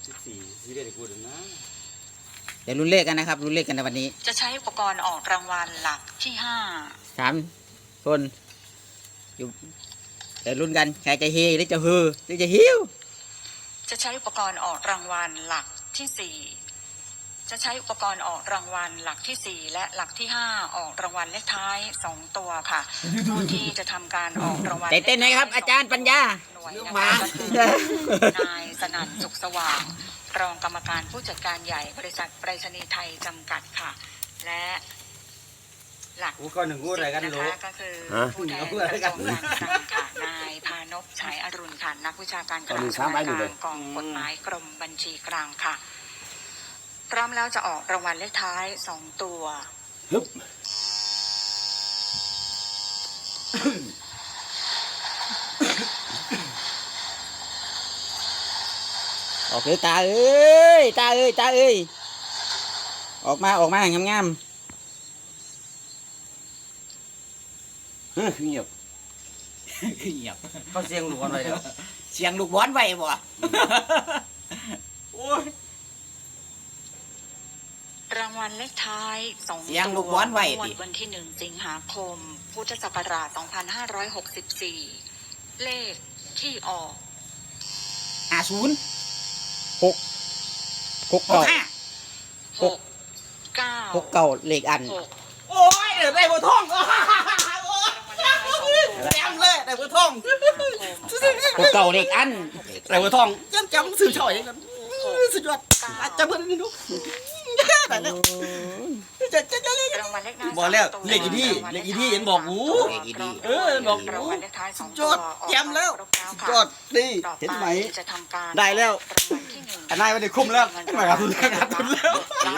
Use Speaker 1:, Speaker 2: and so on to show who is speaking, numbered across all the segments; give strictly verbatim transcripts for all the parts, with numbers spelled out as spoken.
Speaker 1: สิบสี่ที่ได้พูดนะ
Speaker 2: เดี๋ยวลุ้นเลขกันนะครับลุ้นเลขกันในวันนี้
Speaker 3: จะใช้อุปกรณ์ออกรางวัลหลักที่ห้า
Speaker 2: สามคนอยู่เดี๋ยวลุ้นกันใครจะเฮหรือจะฮือหรือจะฮิว
Speaker 3: จะใช้อุปกรณ์ออกรางวัลหลักที่สี่จะใช้อุปกรณ์ออกรางวัลหลักที่สี่และหลักที่ห้าออกรางวัลเลขท้ายสองตัวค่ะผู้ที่จะทำการออกรางวัล
Speaker 2: เต้นไหมครับอาจารย์ปัญญา
Speaker 3: หน่วยนะคะก็คือนายสนั่นสุขสว่างรองกรรมการผู้จัดการใหญ่บริษัทไปรษณีย์ไทยจำกัดค่ะและหลัก
Speaker 1: ก็หนึ่งพูดอะไรกันรู้
Speaker 3: ก็คือผู้แทนกระทรวงการคลังค่ะนายพานพฉายอรุณค่ะนักวิชาการกระทรวงการกองกฎหมายกรมบัญชีกลางค่ะพร้อมแล้วจะออกรางวัลเลขท้ายสองตัว
Speaker 2: ออกเลยตาเอ้ยตาเอ้ยตาเอ้ยออกมาออกมางามงาม
Speaker 1: เฮ้ยเงียบเงียบเขาเสียงลูกบอลไว้เดี๋ยว
Speaker 2: เสียงลูกบอลไว้บ่
Speaker 1: โอ้ย
Speaker 3: รางวัลเลขท้ายสองตัว
Speaker 2: เสียงลูกบอลไว้
Speaker 3: วันที่หนึ่งสิงหาคมพุทธศักราชสองพันห้าร้อยหกสิบสี่เลขที่ออก
Speaker 2: ห้าศูนย์หกหกเก้า
Speaker 3: หกเก้า
Speaker 2: หกเก้าเลขอัน
Speaker 1: โอ้ยเดี๋ยวได้บัวทองแจมเลยได้บัวทอง
Speaker 2: หกเก้าเลขอัน
Speaker 1: ได้บัวทองจำจำสื่อช่อยกันสุดยอดจำเพื่อนนี่ดูแต่แล้วจะจะจะเลยบอกแล้วเลขอีที่เลขอีที่เห็นบอกหูเออบอกหูสุดยอดแจมแล้วสุดยอดนี่เห็นไหมได้แล้วนายไม่ได้คุ้มแล้วมาขาดทุนแล้วขาดทุนแล้ว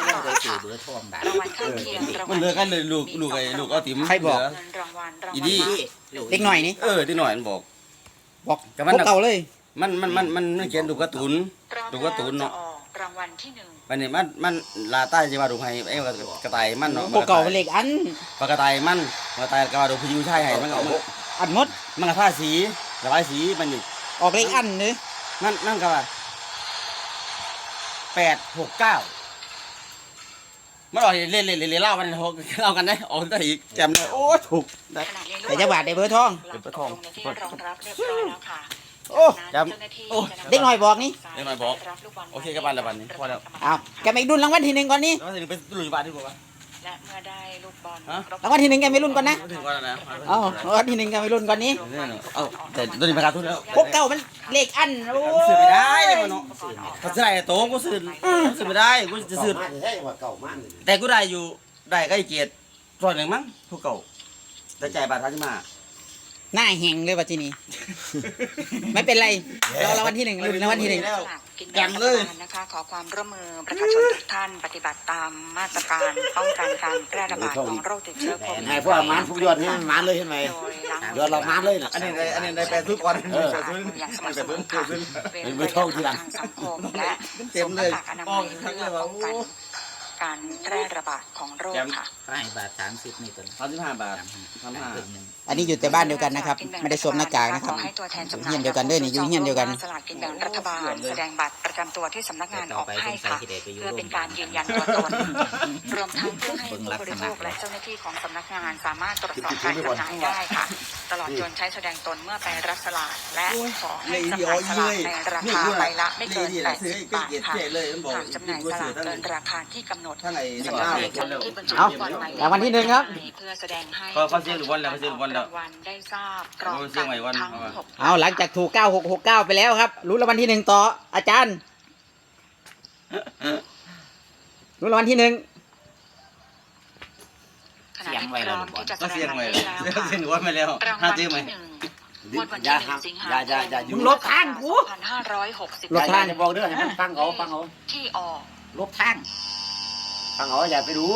Speaker 1: มันเลิกกันเลยลูกลูกไอ้ลูกเอาติ๋ม
Speaker 2: ใครบอก
Speaker 1: อีที่
Speaker 2: เล็กหน่อยนี่
Speaker 1: เออที่หน่อยมันบอก
Speaker 2: บอกกับมันเก่าเลย
Speaker 1: มันมันมันมันเขียนดูการ์ตูนดูการ์ตูนเนาะ
Speaker 3: รางวัลที่หนึ่ง
Speaker 1: วันนี้มันมันลาใต้จะมาดูให้ไอ้กระต่ายมันเนาะ
Speaker 2: พวกเก่าเป็นเลขอัน
Speaker 1: ปกระต่ายมันกระต่ายกระดูพยูใช่ให้มันก็
Speaker 2: อันมด
Speaker 1: มันก็ท่าสีระบายสีมันอยู่
Speaker 2: ออกเลขอันเลย
Speaker 1: นั่นนั่นก็ว่าแปดหกเก้ามันออกเล่นเล่นเล่นเล่ามันหกเล่ากันได้ออกได้อีกแจมเลยโอ้ถูก
Speaker 2: ได้แต่จังหวัดได้เบอร์ทอง
Speaker 1: เป็นเบอร์ทอง
Speaker 3: รองรับเรียบร้อยแล้วค่ะ
Speaker 2: โอ้จำโอ้เด็กหน่อยบอกนี่
Speaker 1: เด็กหน่อยบอกโอเคกับบ้านแล้วบ้านนี้พอแล้ว
Speaker 2: อ้าวแกไม่รุ่นรางวัลที่หนึ่งก่อนนี่
Speaker 1: รางวัลที่หนึ่งเป็นรุ่นบ้านที่บอกว่า
Speaker 3: และเมื่อได้ลูกบอล
Speaker 2: รางวัลที่หนึ่งแกไม่รุ่นก่อนนะ
Speaker 1: ถึงก่อนนะ
Speaker 2: เอ้ารางวัลที่หนึ่งแกไม่รุ่นก่อนนี้
Speaker 1: เอ้าแต่ตัวนี้ราคาทุนแล้ว
Speaker 2: พวกเก่ามันเลขอันโอ้
Speaker 1: ซื้อไม่ได้เลยมันเนาะถ้าซื้อได้โต้กูซื้อซื้อไม่ได้กูจะซื้อแต่กูได้อยู่ได้ใกล้เกียรติส่วนหนึ่งมั้งผู้เก่าแต่ใจบาททันมา
Speaker 2: หน้าแห้งเลยปัจจุบันไม่เป็นไรเรารางวัลที่หนึ่งรางวัลที่หนึ่ง
Speaker 3: ยังเลยนะคะขอความร่วมมือประชาชนทุกท่านปฏิบัติตามมาตรการป้องกันการแพร่ระบาดของโรคติดเชื้อโควิด
Speaker 4: ให้พวกมันพวกยอดนี่มันเลยเห็นไหมยอดเรามันเลย
Speaker 1: อันนี้อันนี้ได้แปดทุกวัน
Speaker 3: เอออย่างสม่ำเสมอค่ะเป็นไปทางสังคมและสวมหน้ากากอนามัยเพื่อป้องกันการแพร่ระบาดของโรคค่ะ
Speaker 4: ให้บาทสามสิบนี่ตัว
Speaker 1: สามสิบห้าบาทสามห้า
Speaker 2: อันนี้อยู่แต่บ้านเดียวกันนะครับไม่ได้สวมหน้ากากนะครับเฮียนเดียวกันด้วยนี่อยู่เฮียนเดียวกัน
Speaker 3: สลากกินแบ่งรัฐบาลแสดงบัตรประจำตัวที่สำนักงานออกให้ค่ะเพื่อเป็นการยืนยันตัวตนรวมทั้งเพื่อให้ผู้บริโภคและเจ้าหน้าที่ของสำนักงานสามารถตรวจสอบการจำหน่ายได้ค่ะตลอดจนใช้แสดงตนเมื่อไปรับสลากและขอให้จำหน่ายสลากในราคาใบละไม่เกินแปดสิบบาทค่ะหากจำหน่ายสลากเกินราคาที่กำหนดสำนักงานเจ้าหน้าที่บัญชี
Speaker 2: ก่อนหมายเลขรางวัลที่หนึ่งครับ
Speaker 3: เพื่อแสดงให้
Speaker 1: เขาเสียงหรือวันแล้วเขาเสียงหรือวันแล้ว
Speaker 3: ได้ทราบพร้อมกันทั้งหก
Speaker 2: เอาหลังจากถูกเก้าหกหกเก้าไปแล้วครับรู้รางวัลที่หนึ่งต่ออาจารย์รู้รางวัลที่หนึ่ง
Speaker 3: เสียงไว้แล้วก็
Speaker 1: เสียงไว้แล้วเสียงหรือว่าไม่แล้วห้าจื้อไหม
Speaker 4: อย่าอย่าอย่าอย่า
Speaker 2: อยู่ลบทางกู
Speaker 3: พันห้าร้อยหกสิบ
Speaker 4: ลบทางจะบอกเด้อให้มันฟังเขาฟังเขา
Speaker 3: ที่ออก
Speaker 2: ลบทาง
Speaker 4: ฟังเขาอย่าไปดู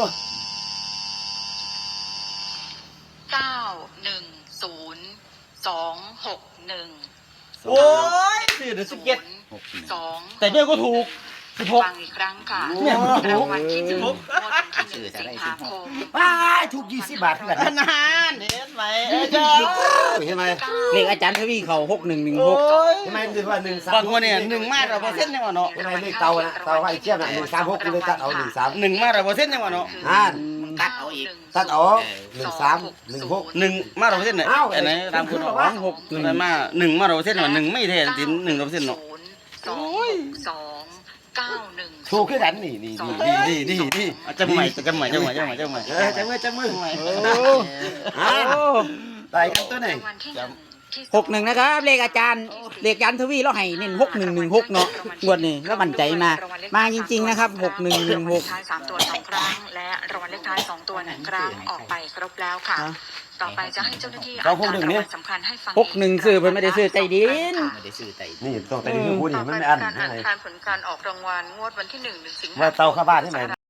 Speaker 3: เก้าหนึ่งศูนย์สองหกหนึ่ง
Speaker 1: โอ้ยสี่เดือนสิบเจ็ด
Speaker 3: สอง
Speaker 1: แต่เบี้ยก็ถูก
Speaker 3: ฟังอีกครั้งค่ะ
Speaker 1: เนี่ย
Speaker 3: รางวัลที่หนึ่งงวดวันที่หนึ่งสิงหาคม
Speaker 4: ไปถูกยี่สิบบาทเพื่อน
Speaker 1: นานเห็นไหมเอ้ยเจ้า
Speaker 4: เห็นไหม
Speaker 2: เลขอาจารย์ทวีเขาหกหนึ่งหนึ่ง
Speaker 1: โอ้
Speaker 2: หก
Speaker 1: ย
Speaker 4: เห็นไหมคือว่าหนึ่งสาม
Speaker 1: บางคนเนี่ยหนึ่งมาเราเปอร์เซ็นต์ยังวะเนาะ
Speaker 4: เห็นไหมเลขเตานะเตาไอ้เทียบน่ะหนึ่งสามหกกูเลยตัดเอาหนึ่งสาม
Speaker 1: หนึ่งมาเราเปอร์เซ็นต์ยังวะเนาะ
Speaker 4: อ่า
Speaker 3: ตัดเอาอีก
Speaker 4: ตัดออกหนึ่งสามหนึ่งหก
Speaker 1: หนึ่งมาเราเปอร์เซ็นต์เนี่ย
Speaker 4: เอ้า
Speaker 1: อันไหนตามคุณ
Speaker 4: หรอ
Speaker 1: วะ
Speaker 4: วะ
Speaker 1: หกหนึ่งมาหนึ่งมาเราเปอร์เซ็นต์วะหนึ่งไม่แทนตินหนึ่งเราเปอร์เซ็นต์เนาะ
Speaker 3: สองสองเก้าหนึ่ง
Speaker 4: ถูกขึ้นกันนี่นี่นี่
Speaker 1: ดีดีดีดีจำใหม่จำใหม่จำใหม่จำใหม่จำใหม่
Speaker 4: เออจับมือจับมือ
Speaker 2: โอ้
Speaker 4: อ่า
Speaker 2: โอ้
Speaker 4: ตายกันตัวไหน
Speaker 3: รางวัลที่หนึ่งที่
Speaker 2: หกหนึ่งนะครับเลขอาจารย์เลขอาจารย์ทวีเราให้เน้นหกหนึ่งหนึ่งหกเนาะงวดนี้แล้วมั่นใจมา มาจริงๆนะครับหกหนึ่งหนึ่งหก
Speaker 3: รางวัลเลขท้ายสามตัวสองครั้งและรางวัลเลขท้ายสองตัวหนึ่งครั้งออกไปครบแล้วค่ะ ต่อไปจะให้เจ้าหน้าที่อ่านการรางวัลสำคัญให้ฟัง
Speaker 2: หกหนึ่งซื้อเพิ่นไม่ได้ซื้อใจดิน
Speaker 5: ไม่ได้ซื้อไต่
Speaker 4: นี่ต้องแต่นี่คือพูดนี่มันไม่อัน
Speaker 3: การ
Speaker 4: ใช่
Speaker 3: อ่าน
Speaker 4: ไหม
Speaker 3: การผลการออกรางวัลงวดวันที่หนึ่งสิงหาคม
Speaker 4: ว่าเตาเข้าบ้านใช่ไหม